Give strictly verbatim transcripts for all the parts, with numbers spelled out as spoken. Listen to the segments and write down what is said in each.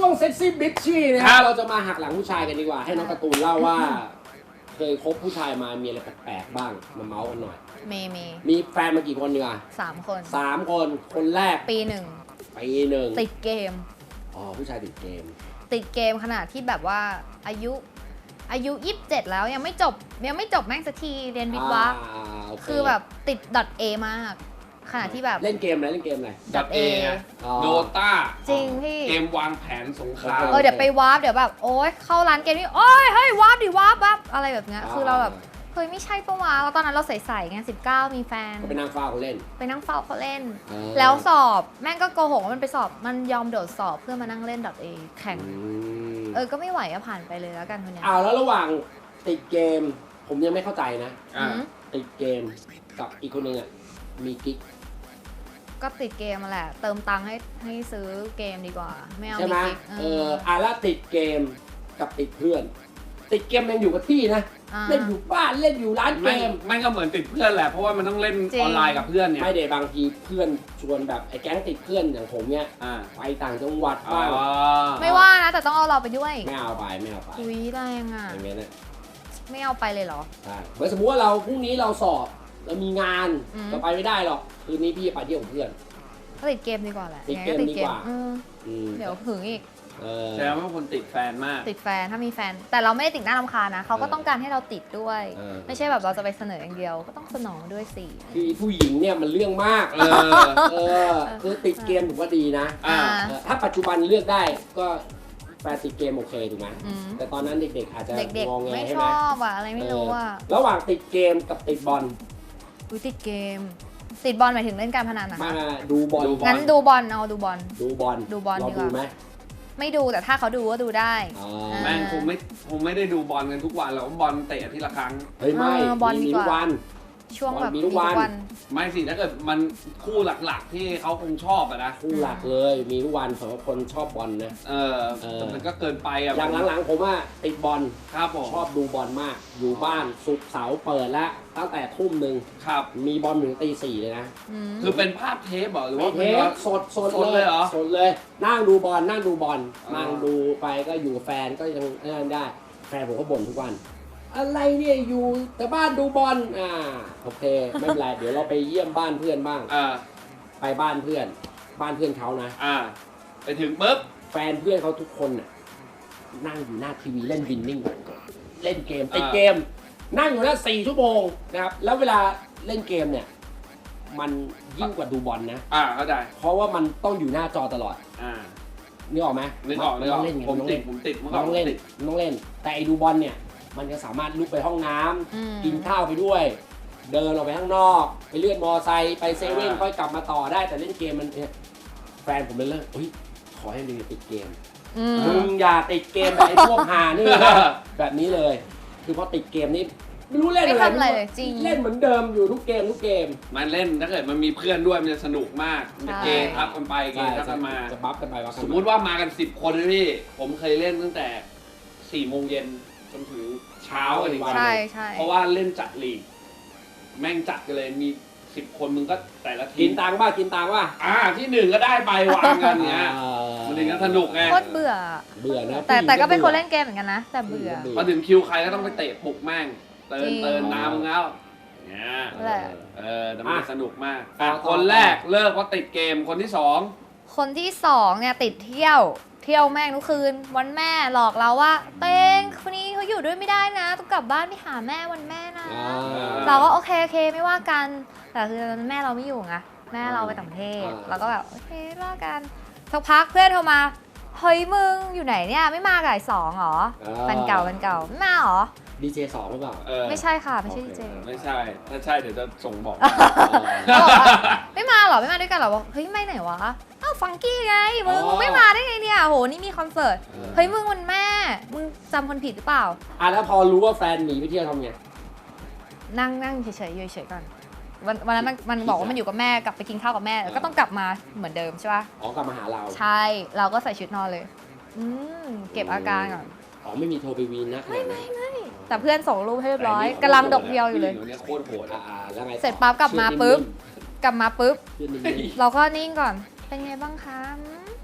วงเซ็กซี่บิชชี่นะครับเราจะมาหักหลังผู้ชายกันดีกว่าให้น้องการ์ตูนเล่าว่าเคยคบผู้ชายมามีอะไรแปลกๆบ้างมาเมาส์กันหน่อยมีมีมีแฟนมากี่คนดีกว่าสามคนสามคนคนแรกปีหนึ่งปีหนึ่งติดเกมอ๋อผู้ชายติดเกมติดเกมขนาดที่แบบว่าอายุอายุยี่สิบเจ็ดแล้วยังไม่จบยังไม่จบแม่งสักทีเรียนวิทย์วะคือแบบติด .A มากขนาดที่แบบเล่นเกมอะไรเล่นเกมอะไร .A โดต้าจริงพี่เกมวางแผนสงครามเออเดี๋ยวไปวาร์ปเดี๋ยวแบบโอ๊ยเข้าร้านเกมนี่โอ๊ยเฮ้ยวาร์ปดิวาร์ปวาร์ปอะไรแบบเนี้ยคือเราแบบเฮ้ยไม่ใช่ปะวะแล้วตอนนั้นเราใส่ๆไงสิบเก้ามีแฟนไปนั่งเฝ้าเขาเล่นไปนั่งเฝ้าเขาเล่นแล้วสอบแม่งก็โกหกว่ามันไปสอบมันยอมโดดสอบเพื่อมานั่งเล่น .A แข่งเออก็ไม่ไหวก็ผ่านไปเลยแล้วกันคนนี้อ้าวแล้วระหว่างติดเกมผมยังไม่เข้าใจนะติดเกมกับอีกคนนึงอ่ะมีกิ๊กก็ติดเกมมาแหละเติมตังค์ให้ให้ซื้อเกมดีกว่าไม่เอาใช่ไหมกิ๊กเอออ่ะแล้วติดเกมกับติดเพื่อนติดเกมยังอยู่กับที่นะเล่นอยู่บ้านเล่นอยู่ร้านเกมไม่ก็เหมือนติดเพื่อนแหละเพราะว่ามันต้องเล่นออนไลน์กับเพื่อนเนี่ยไม่เดี๋ยวบางทีเพื่อนชวนแบบไอ้แก๊งติดเพื่อนอย่างผมเนี่ยไปต่างจังหวัดบ้างไม่ว่านะแต่ต้องเอาเราไปด้วยไม่เอาไปไม่เอาไปอุ้ยแรงอ่ะอย่างเงี้ยนะไม่เอาไปเลยเหรอใช่เหมือนสมมติว่าเราพรุ่งนี้เราสอบเรามีงานเราไปไม่ได้หรอกคืนนี้พี่ไปเที่ยวกับเพื่อนติดเกมดีกว่าแหละติดเกมดีกว่าเดี๋ยวหึงอีกแสดงว่าคนติดแฟนมากติดแฟนถ้ามีแฟนแต่เราไม่ได้ติดหน้ารำคาญนะเขาก็ต้องการให้เราติดด้วยไม่ใช่แบบเราจะไปเสนออย่างเดียวก็ต้องสนองด้วยสิคือผู้หญิงเนี่ยมันเรื่องมากเออเออคือติดเกมถือว่าดีนะถ้าปัจจุบันเลือกได้ก็แฟนติดเกมโอเคถูกไหมแต่ตอนนั้นเด็กๆอาจจะงงแงใช่ไหมไม่ชอบอะอะไรไม่รู้อะระหว่างติดเกมกับติดบอลอุ้ยติดเกมติดบอลหมายถึงเล่นการพนันนะมาดูบอลงั้นดูบอลเอาดูบอลดูบอลดูบอลดีกว่าไหมไม่ดูแต่ถ้าเขาดูก็ดูได้แม่งคงไม่คงไม่ได้ดูบอลกันทุกวันหรอกบอลเตะทีละครั้งเฮ้ยไม่บอลมีทุกวันช่วงแบบมีทุกวันไม่สิถ้าเกิดมันคู่หลักๆที่เขาคงชอบอะนะคู่หลักเลยมีทุกวันสำหรับคนชอบบอลนะเออแต่มันก็เกินไปอะอย่างหลังๆผมว่าติดบอลครับผมชอบดูบอลมากอยู่บ้านศุกร์เสาร์เปิดแล้วตั้งแต่ทุ่มหนึ่งครับมีบอลถึงตีสี่เลยนะคือเป็นภาพเทปหรือว่าเทปสดสดเลยเหรอสดเลยนั่งดูบอลนั่งดูบอลนั่งดูไปก็อยู่กับแฟนก็ยังนั่นได้แฟนผมก็บ่นทุกวันอะไรเนี่ยอยู่แต่บ้านดูบอลอ่าโอเคไม่เป็นไรเดี๋ยวเราไปเยี่ยมบ้านเพื่อนบ้างอ่าไปบ้านเพื่อนบ้านเพื่อนเขานะอ่าไปถึงปุ๊บแฟนเพื่อนเขาทุกคนน่ะนั่งอยู่หน้าทีวีเล่นวินนิ่งเล่นเกมติดเกมนั่งอยู่นั่นสี่ชั่วโมงนะครับแล้วเวลาเล่นเกมเนี่ยมันยิ่งกว่าดูบอลนะอ่าเข้าใจเพราะว่ามันต้องอยู่หน้าจอตลอดอ่านึกออกไหมนึกออกนึกออกผมติดผมติดมันต้องเล่นต้องเล่นแต่ไอ้ดูบอลเนี่ยมันจะสามารถลุกไปห้องน้ำกินข้าวไปด้วยเดินออกไปข้างนอกไปเลื่อนมอไซค์ไปเซเว่นค่อยกลับมาต่อได้แต่เล่นเกมมันเนี่ยแฟนผมเลยเลิกเฮ้ยขอให้มึงติดเกมมึงอย่าติดเกมแบบไอ้พวกหานี่แบบนี้เลยคือพอติดเกมนี่ไม่รู้เล่นอะไรจริงเล่นเหมือนเดิมอยู่ทุกเกมทุกเกมมันเล่นถ้าเกิดมันมีเพื่อนด้วยมันจะสนุกมากมันจะเกมทับกันไปเกมทับกันมาจะบัฟกันไปสมมุติว่ามากันสิบคนนะพี่ผมเคยเล่นตั้งแต่สี่โมงเย็นจนถึงเช้ากันอีกวันเพราะว่าเล่นจัดลีกแม่งจัดกันเลยมีสิบคนมึงก็แต่ละทีกินตังค์ป่ะกินตังค์ป่ะอ่าที่หนึ่งก็ได้ไปวางกันเนี้ยมันถึงจะสนุกไงโคตรเบื่อเบื่อนะแต่แต่ก็เป็นคนเล่นเกมเหมือนกันนะแต่เบื่อพอถึงคิวใครก็ต้องไปเตะปลุกแม่งเตินเตินน้ำมึงแล้วเนี่ยเออแต่มันสนุกมากคนแรกเลิกเพราะติดเกมคนที่สองคนที่สองเนี่ยติดเที่ยวเที่ยวแม่งทุกคืนวันแม่หลอกเราว่าเต้งคนนี้เขาอยู่ด้วยไม่ได้นะต้องกลับบ้านไปหาแม่วันแม่นะเราก็โอเคโอเคไม่ว่ากันแต่คือแม่เราไม่อยู่ไงแม่เราไปต่างประเทศเราก็แบบโอเคว่ากันสักพักเพื่อนโทรมาเฮ้ยมึงอยู่ไหนเนี่ยไม่มากับไอ้สองหรอเป็นเก่าเป็นเก่าไม่มาหรอดีเจสองหรือเปล่าไม่ใช่ค่ะไม่ใช่ดีเจไม่ใช่ถ้าใช่เดี๋ยวจะส่งบอกไม่มาหรอไม่มาด้วยกันหรอบอกเฮ้ยไม่ไหนวะอ้าวฟังกี้ไงมึงมึงไม่มาได้ไงเนี่ยโหนี่มีคอนเสิร์ตเฮ้ยมึงวันแม่มึงจำคนผิดหรือเปล่าอ่ะแล้วพอรู้ว่าแฟนหนีไปเที่ยวทำไงนั่งนั่งเฉยๆเฉยๆก่อนวันวันนั้นมันมันบอกว่ามันอยู่กับแม่กลับไปกินข้าวกับแม่ก็ต้องกลับมาเหมือนเดิมใช่ป่ะอ๋อกลับมาหาเราใช่เราก็ใส่ชุดนอนเลยอืมเก็บอาการก่อนอ๋อไม่มีโทรไปวีนนะไม่ไม่ไม่แต่เพื่อนส่งรูปให้เรียบร้อยกำลังดกเดียวอยู่เลยโคตรโหดอ่าแล้วไงเสร็จปั๊บกลับมาปุ๊บกลับมาปุ๊บเราก็นิ่งก่อนเป็นไงบ้างคะ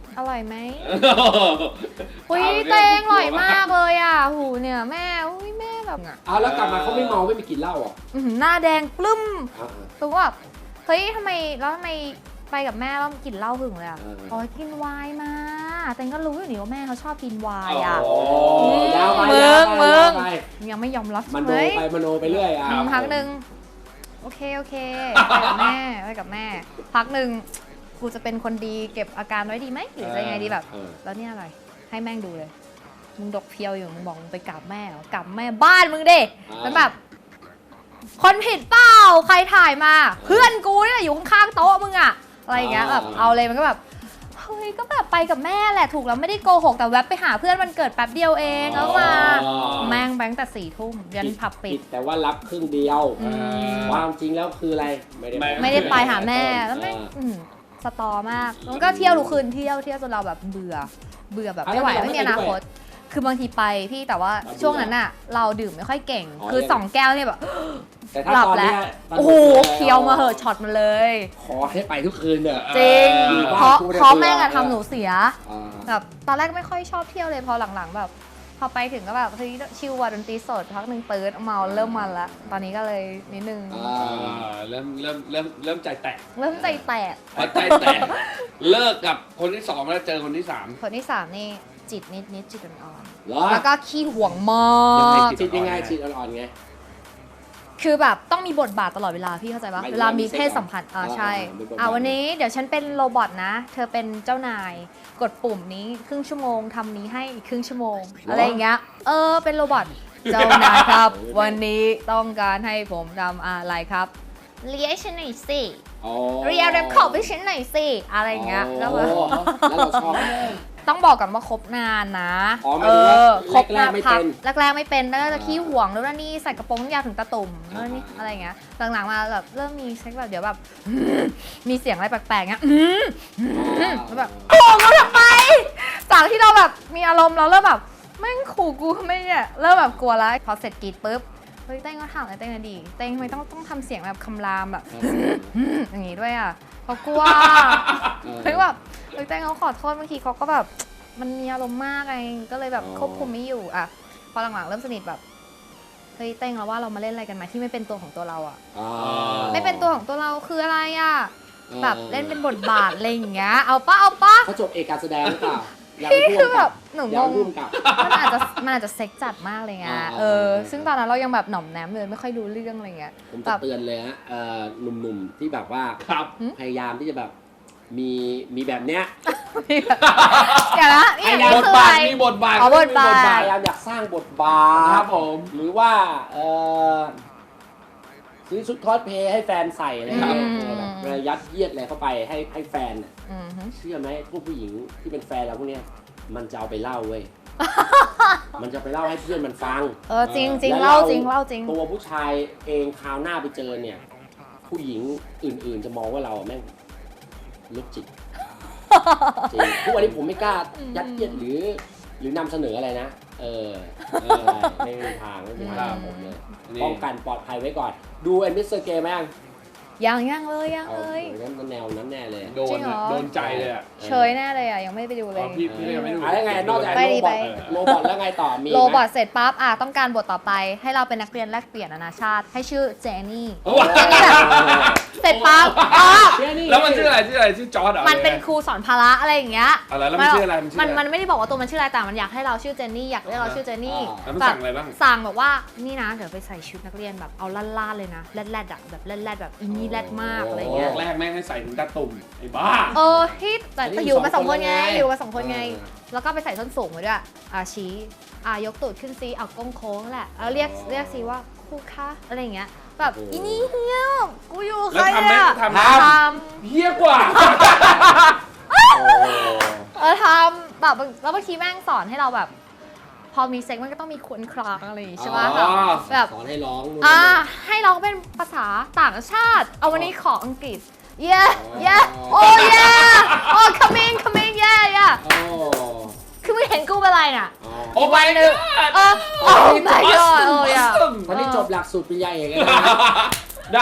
อร่อยไหมอุ้ยเตงอร่อยมากเลยอ่ะหูเนี่ยแม่อุ้ยแม่แบบอ่ะเอาแล้วกลับมาเขาไม่เมาไม่มีกลิ่นเหล้าอ่ะอื้อหือหน้าแดงปลื้มอ่าตัวว่าเฮ้ยทำไมแล้วทำไมไปกับแม่แล้วกินเหล้าหึงเลยอ่ะเอออ๋อกินไวน์มาเตงก็รู้อยู่นี่ว่าแม่เขาชอบกินไวน์อ่ะโอ้ยาวไปมึยาวงไปมึยาง วไปยังไม่ยอมรับมันใช่โนไหมไปมโนไปเรื่อยอ่ะอืมพักหนึ่งโอเคโอเคไปกับแม่ไปกับแม่ พักหนึ่งกูจะเป็นคนดีเก็บอาการไว้ดีไหมหรือจะยังไงดีแบบเออแล้วเนี่ยอะไรให้แม่งดูเลย มึงดกเพียวอยู่มึงบอกมึงไปกราบแม่เหรอกราบแม่บ้านมึงเด้แล้วแบบ คนผิดเปล่าใครถ่ายมา เพื่อนกูเนี่ยอยู่ข้างๆโต๊ะมึงอะอะไรอย่างเงี้ยแบบเอาเลยมันก็แบบเฮ้ยก็แบบไปกับแม่แหละถูกแล้วไม่ได้โกหกแต่แวบไปหาเพื่อนวันเกิดแป๊บเดียวเองแล้วมาแม่งแบงค์แต่สี่ทุ่มยันผับปิดแต่ว่ารับครึ่งเดียวอืมความจริงแล้วคืออะไรไม่ได้ไม่ได้ไปหาแม่แล้วแม่งอืมสตอมากแล้วก็เที่ยวทุกคืนเที่ยวเที่ยวจนเราแบบเบื่อเบื่อแบบไม่ไหวไม่มีอนาคตคือบางทีไปพี่แต่ว่าช่วงนั้นอะเราดื่มไม่ค่อยเก่ง คือสองแก้วเนี่ยแบบแต่ถ้าหลับตอนแล้เนี้วยตนโอ้โหนี้เคี้ยวมาเหอะช็อตมาเลยขอให้ไปทุกคืนเด้อจริงบ้านเพราะกูเนี่ยเพราะแม่งเบื่อะอทำหนูเสียอ่าแบบตอนแรกไม่ค่อยชอบเที่ยวเลยพอหลังๆแบบพอไปถึงก็แบบเฮ้ยชิลว่ะดนตรีสดพักหนึ่งปื๊ดเมาเริ่มมันละตอนนี้ก็เลยนิดนึงอ่อ่าาเริ่มเริ่มเริ่มเริ่มใจแตกเริ่มใจแตกพอใจแตกเลิกกับคนที่สองแล้วเจอคนที่สามคนที่สามนี่จิตนิดนิดจิตอ่อนเหรอๆแล้วก็ขี้ห่วงมายังไงกจิจิตยังไงจิตอ่อนๆไงคือแบบต้องมีบทบาทตลอดเวลาพี่เข้าใจปะหมายถึงเวลามีว่ามีเพศสัมพันธ์อ่าอ่าใช่มีบทบาทอ่าวันนี้เดี๋ยวฉันเป็นโรบอทนะ เธอเป็นเจ้านายกดปุ่มนี้ครึ่งชั่วโมงทำนี้ให้อีกครึ่งชั่วโมง อะไรอย่างเงี้ยเออเป็นโรบอทเจ้านายครับ วันนี้ต้องการให้ผมทำอะไรครับเรียกฉันหน่อยสิอ๋อเรียกเรปขอบให้ฉันหน่อยสิอะไรอย่างเงี้ยแล้วแบบอ๋อแล้วเราชอบไหมต้องบอกก่อนว่าคบนานนะอ๋อหมายถึงว่าคบแรกๆไม่เป็นแรกๆไม่เป็นแล้วก็จะอ่าขี้ห่วงแล้วนนี่ใส่กระโปรงยาวถึงตะตุ่มอ่าแล้วนี่อะไรอย่างเงี้ยหลังๆมาแบบเริ่มมีเซ็กแบบเดี๋ยวแบบ มีเสียงอะไรแปลกๆเงี้ย แล้วแบบ โกงเราทำไมจากที่เราแบบมีอารมณ์เราเริ่มแบบแม่งขู่กูทำไมเนี่ยเริ่มแบบกลัวแล้วพอเสร็จกรีดปุ๊บเฮ้ยเต้งก็ถามอะไรเต้งอะดีเต้งทำไมต้องต้องทำเสียงแบบคำรามแบบ อย่างงี้ด้วยอ่ะเขากลัวเฮ้ยแบบเฮ้ยเต้งเขาขอโทษบางทีเขาก็แบบมันมีอารมณ์มากไงก็เลยแบบควบคุมไม่อยู่อ่ะพอหลังๆเริ่มสนิทแบบเฮ้ยเต้งเราว่าเรามาเล่นอะไรกันไหมที่ไม่เป็นตัวของตัวเราอ่ะอ่าไม่เป็นตัวของตัวเราคืออะไรอ่ะอ่าแบบเล่นเป็นบทบาทอะไรอย่างเงี้ยเอาปะเอาปะเขาจบเอกการแสดงหรือเปล่าอยากพี่เป็นผู้คือกำแบกับบหนูอยากงเป็นงผู้กำกับมันอาจจะมันอาจจะเซ็กจัดมากเลยไงอ่าเอออ่าซึ่งตอนนั้นเรายังแบบหน่อมแนมเลยไม่ค่อยรู้เรื่องอะไรเงี้ยผมแบจะบเตือนเลยฮะเอ่อหนุ่มๆที่แบบว่าครับพยายามที่จะแบบมีมีแบบเนี้ยอย่านะนี่อย่างนี้บทคืออะบาทไรมีบทบาทอ๋อบทบาทมีพยายามอยากสร้างบทบาครัทบผมหรือว่าเอ่อซื้อชุดคอสเพลย์ให้แฟนใส่อะไรอย่างเงี้ยอืมเออแบบเวลายัดเยียดอะไรเข้าไปให้ให้แฟนน่ะอือฮึเชื่อไหมพวกผู้หญิงที่เป็นแฟนเราพวกเนี้ยมันจะเอาไปเล่าเว้ย มันจะไปเล่าให้เพื่อนมันฟังเออจริงจริงแล้วเล่าจริงเล่าจริงตัวผู้ชายเองคราวหน้าไปเจอเนี่ย ผู้หญิงอื่นๆจะมองว่าเราแม่งลุกจิตจริงทุกวันนี้ผมไม่กล้ายัดเยียดหรือ หรือนำเสนออะไรนะ เออเออไม่มีทางไม่มีทางผมเลยอันนี้ป้องกันปลอดภัยไว้ก่อน ดูเอ็นมิสเตอร์เกมไหมยังยังยังเลยยังเอาเลยโอ้ยนั่นแนวนั้นแน่เลยโดจรินงเหรอโดนใจเลยอ่ะเฉยแน่เลยอ่ะยังไม่ได้ไปดูเลอ๋อย พี่พี่ยังไม่ดูอะไรไงนอกจากไปโรดิบอทไปโรบอทแล้วไงต่อมีไหมโรบอทเสร็จปั๊บอ่ะต้องการบทต่อไป ให้เราเป็นนักเรียนแลกเปลี่ยนนานาชาติ ให้ชื่อเจนนี่โอ้โหเจนนี่แบบเสร็จปั๊บอ๋อเชื่อนี่แล้วมันชื่ออะไรชื่ออะไรชื่อจอร์ดเหรอมันเป็นครูสอนพละอะไรอย่างเงี้ยอะไรแล้วมันชื่ออะไรมันชื่อมันอะไรมันไม่ได้บอกว่าตัวมันชื่ออะไรแต่มันอยากให้เราชื่อเจนนี่อยากเรียกเราชื่อเจนนี่แล้วมันแบสั่บงอะไรบ้างสั่งแบบว่านี่นะเดี๋ยวไปใส่ชุดนักเรียนแบบเอาล่าๆเลยนะแรดๆอ่ะแบบแรดๆแบบอินนี่แรดมากอะไรอย่างเงี้ยแรกแม่งให้ใส่ถึงตาตุ่มไอ้บ้าเออที่แต่แต่อยู่มาสองคนไงอยู่มาสองคนไงเออแล้วก็ไปใส่ส้นสูงมาด้วยอ่าชี้อ่ายกตูดขึ้นซีเอาก้งโค้งแหละแล้วเรียกเรียกซีว่าครูคะอะไรอย่างเงี้ยแบบอีนี่เฮียกูอยู่ใคแล้วรทำไหมเนี่ยทำไหมทเฮี้ยกว่าโอ้ำเออทำแบบแล้วบางทีแม่งสอนให้เราแบบ พอมีเซ็กมันก็ต้องมีควนคลางอะไรอย่างงี้ใช่ปะอ๋อแบบสอนให้ร้องนู่นอ่านี่ให้ร้องเป็นภาษาต่างชาติ เอาวันนี้ขออังกฤษ yeah yeah oh yeah oh come in come in yeah yeah โอ้คือมึงเห็นกูเป็นไรน่ะอ๋อโอ้ไม่เนี่ยเออ oh my god oh yeah ตอนนี้จบหลักสูตรปริญญาเอกแล้วนะด้าน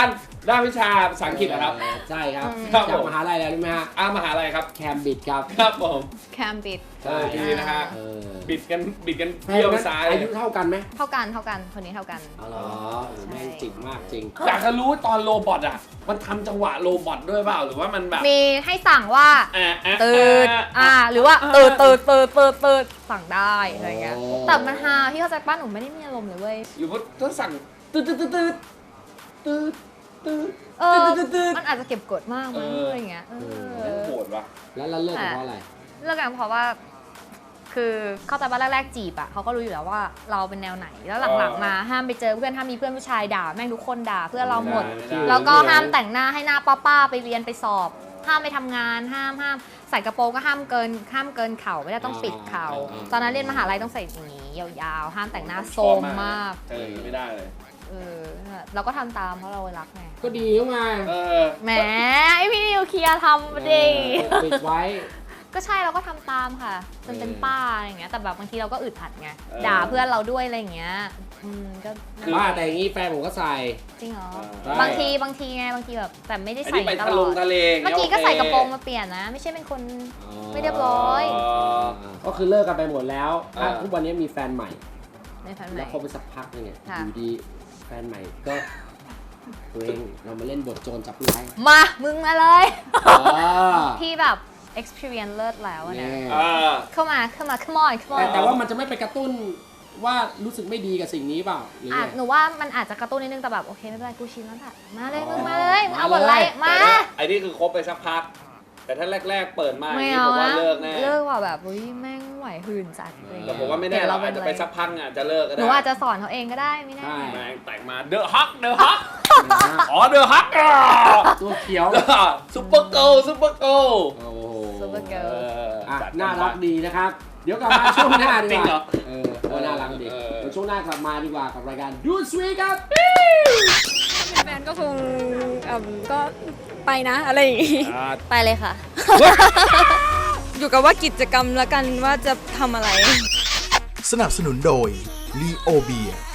ด้านวิชาภาษาอังกฤษนะครับใช่ครับครับจากผมมหาลัยอะไรรู้ไหมฮะอ้ามหาลัยครับแคมบิดครับครับผมแคมบิดเออดีนะฮะเออบิดกันบิดกันแฟนเที่ยวนั้นซ้ายอายุเท่ากันไหมเท่ากันเท่ากันคนนี้เท่ากันอ๋อเหรอโอ้แม่งจิกมากจริงอยากจะรู้ตอนโรบอทอ่ะ มันทำจังหวะโรบอทด้วยเปล่าหรือว่ามันแบบมีให้สั่งว่าอ่ะอ่ะตื่นอ่ะอ่า หรือว่าตื่นตื่นตื่นตื่นตื่นสั่งได้อะไรเงี้ยโอ้แต่มันฮาพี่เข้าใจป้าหนูไม่ได้มีอารมณ์เลยเว้ยหรือว่าถ้าสั่งตืดตืดตืดตืดตืดตืดเออตืดตืดมันอาจจะเก็บกดมากมั้งเออออะไรเงี้ยเอแม่งอโหดว่ะแล้วเราเลิกกันเพราะอะไรเลิกกันเพราะว่า คือเข้าใจว่าแรกๆจีบอ่ะเขาก็รู้อยู่แล้วว่าเราเป็นแนวไหน แล้วหลังๆมาห้ามไปเจอเพื่อนห้ามมีเพื่อนผู้ชายด่าแม่งทุกคนด่าเพื่อนเราหมดไม่ได้แล้วก็ห้ามแต่งหน้าให้หน้าป้าๆไปเรียนไปสอบ ห้ามไปทำงานห้ามห้ามใส่กระโปรงก็ห้ามเกินห้ามเกินเข่าไม่ได้ต้องปิดเข่าอ่าตอนนั้นเรียนมหาลัยต้องใส่อย่างนี้ยาวๆ ห้ามแต่งหน้าโซมมากเออไม่ได้เลยเออเราก็ทำตามเพราะเรารักไงก็ดีแล้วไงเออแหมไอพี่นิวเคลียร์ทำดิเออปิดไว้ก็ใช่เราก็ทำตามค่ะจนเป็นป้าอะไรอย่างเงี้ยแต่แบบบางทีเราก็อึดอัดไงเออด่าเพื่อนเราด้วยอะไรอย่างเงี้ยอืมก็ว่าแต่อย่างนี้แฟนผมก็ใส่จริงเหรอใช่บางทีบางทีไงบางทีแบบแต่ไม่ได้อันใส่นี้ไปตทะลลอง ดทะเลเมื่อกี้ก็ใส่กระโปรงมาเปลี่ยนนะ ไม่ใช่เป็นคน ไม่เรียบร้อยก็คือเลิกกันไปหมดแล้วอ่าทุกวันนี้มีแฟนใหม่ในแฟนใหแล้ม่วเขาไปสักพักนึงเนี่ยค่ะอยู่ดีแฟนใหม่ก็ตัวเองเรามาเล่นบทโจรจับผู้ร้ายมามึงมาเลยอ่าพี่แบบ experience เลิศแล้วอะแน่เนี่ยอ่าเข้ามาเข้ามา come on come แต่ on แต่ว่ามันจะไม่ไปกระตุ้นว่ารู้สึกไม่ดีกับสิ่งนี้เปล่าหรืออ่ะไงหนูว่ามันอาจจะกระตุ้นนิดนึงแต่แบบโอเคไม่เป็นไรกูชินแล้วค่ะมาเลยมึงอ๋อมาเลยมึงเอาบทมาเลยอะไรมาแต่ถ้ไอ้นี่คือคบไปสักพัก แต่ถ้าแรก ๆ เปิดมาอย่างไม่นี้เอาผมว่านะเลิกแน่เลิกว่าแบบอุ้ยแม่งไหวหื่นจัดอะไรอย่างแต่เงี้ยผมว่าไม่แน่เราอาจจะไปสักพักอ่ะจะเลิกก็หได้นูอาจจะสอนเขาเองก็ได้ไม่แน่ใช่แม่งแต่งมาเดอะฮักเดอะฮักอ๋อเดอะฮักอ่ะตัวเขียวซุปเปอร์เกิลซุปเปอร์เกิลโอ้โหซูเปอร์เกิเอร์ลออ่ะจัดน่ารักดีนะครับ เดี๋ยวกลับมาช่วงหน้าดีจริกงเหรอว่าเออเออน่ารักดีเออเดี๋ยวช่วงหน้ากลับมาดีกว่ากับรายการดูสวีครับเป็นแฟนก็คงเอ่อก็ไปนะอะไรอย่างงี้อ่าไปเลยค่ะอยู่กับว่ากิจกรรมละกันว่าจะทำอะไรสนับสนุนโดย ลีโอเบีย